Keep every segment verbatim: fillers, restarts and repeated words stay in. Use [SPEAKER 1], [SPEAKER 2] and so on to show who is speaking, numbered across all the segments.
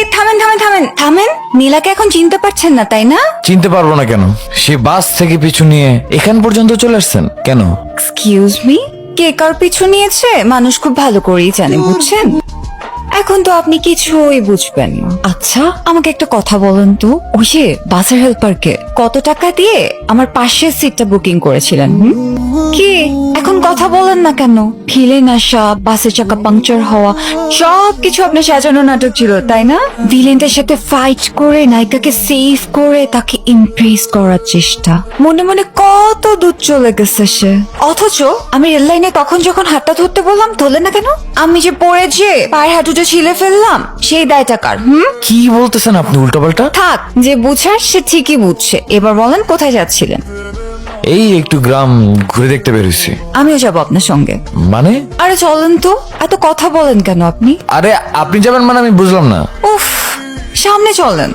[SPEAKER 1] থামেন থামেন থামেন থামেন নীলাকে এখন চিনতে পারছেন না তাই না?
[SPEAKER 2] চিনতে পারবো না কেন? সে বাস থেকে পিছু নিয়ে এখান পর্যন্ত চলে আসছেন কেন?
[SPEAKER 1] এক্সকিউজ মি, কে কার পিছু নিয়েছে মানুষ খুব ভালো করেই জানে, বুঝছেন? এখন তো আপনি কিছুই বুঝবেন না। আচ্ছা, আমাকে একটা কথা বলেন তো, ওই যে বাসের হেল্পারকে কত টাকা দিয়ে আমার পাশের সিটটা বুকিং করেছিলেন? হুম? কি এখন কথা বলেন না কেন? ভিলেন আসা, বাসের চাকা পাংচার হওয়া, সবকিছু আপনার সাজানো নাটক ছিল তাই না? ভিলেনদের সাথে ফাইট করে নায়িকাকে সেভ করে তাকে ইমপ্রেস করার চেষ্টা, মনে মনে কত দূর চলে গেছে সে। অথচ আমি রেল লাইনে তখন যখন হাতটা ধরতে বললাম ধরলেন না কেন? আমি যে পড়েছে পায়ের হাঁটুটা ছিলে ফেললাম, সেই দায়টা কার? হুম?
[SPEAKER 2] কি বলতেছেন আপনি উল্টাপাল্টা?
[SPEAKER 1] থাক, যে বুঝার সে ঠিকই বুঝছে। এবার বলেন কোথায় যাচ্ছিলেন?
[SPEAKER 2] এই একটু গ্রাম ঘুরে দেখতে বেরোইছি।
[SPEAKER 1] আমিও যাবো আপনার সঙ্গে।
[SPEAKER 2] মানে?
[SPEAKER 1] আরে চলেন তো, এত কথা বলেন কেন আপনি?
[SPEAKER 2] আরে আপনি যাবেন মানে আমি বুঝলাম না।
[SPEAKER 1] উফ, সামনে চলেন।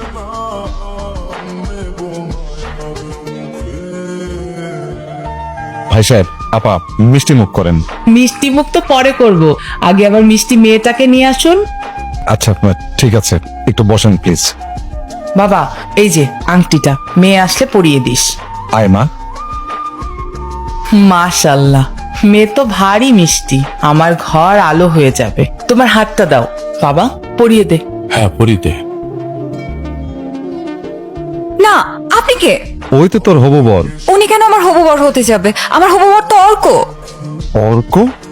[SPEAKER 3] ভাই সাহেব, আপা মিষ্টি মুখ করেন।
[SPEAKER 4] মিষ্টি মুখ তো পরে করব, আগে আবার মিষ্টি মেয়েটাকে নিয়ে আসুন।
[SPEAKER 3] আচ্ছা ঠিক আছে, একটু বসেন প্লিজ।
[SPEAKER 4] বাবা, এই যে আংটিটা মেয়ে আসলে পরিয়ে দিস।
[SPEAKER 3] আয় মা।
[SPEAKER 4] মাশাল্লাহ, মেয়ে তো ভারী মিষ্টি, আমার ঘর আলো হয়ে যাবে। তোমার হাতটা দাও বাবা, পরিয়ে দে।
[SPEAKER 3] হ্যাঁ পরিতে।
[SPEAKER 1] না, আপনি কে?
[SPEAKER 3] ওই তো তোর হবু বর।
[SPEAKER 1] উনি কেন আমার হবু বর হতে যাবে? আমার হবু বর তো অর্ক।
[SPEAKER 3] অর্ক?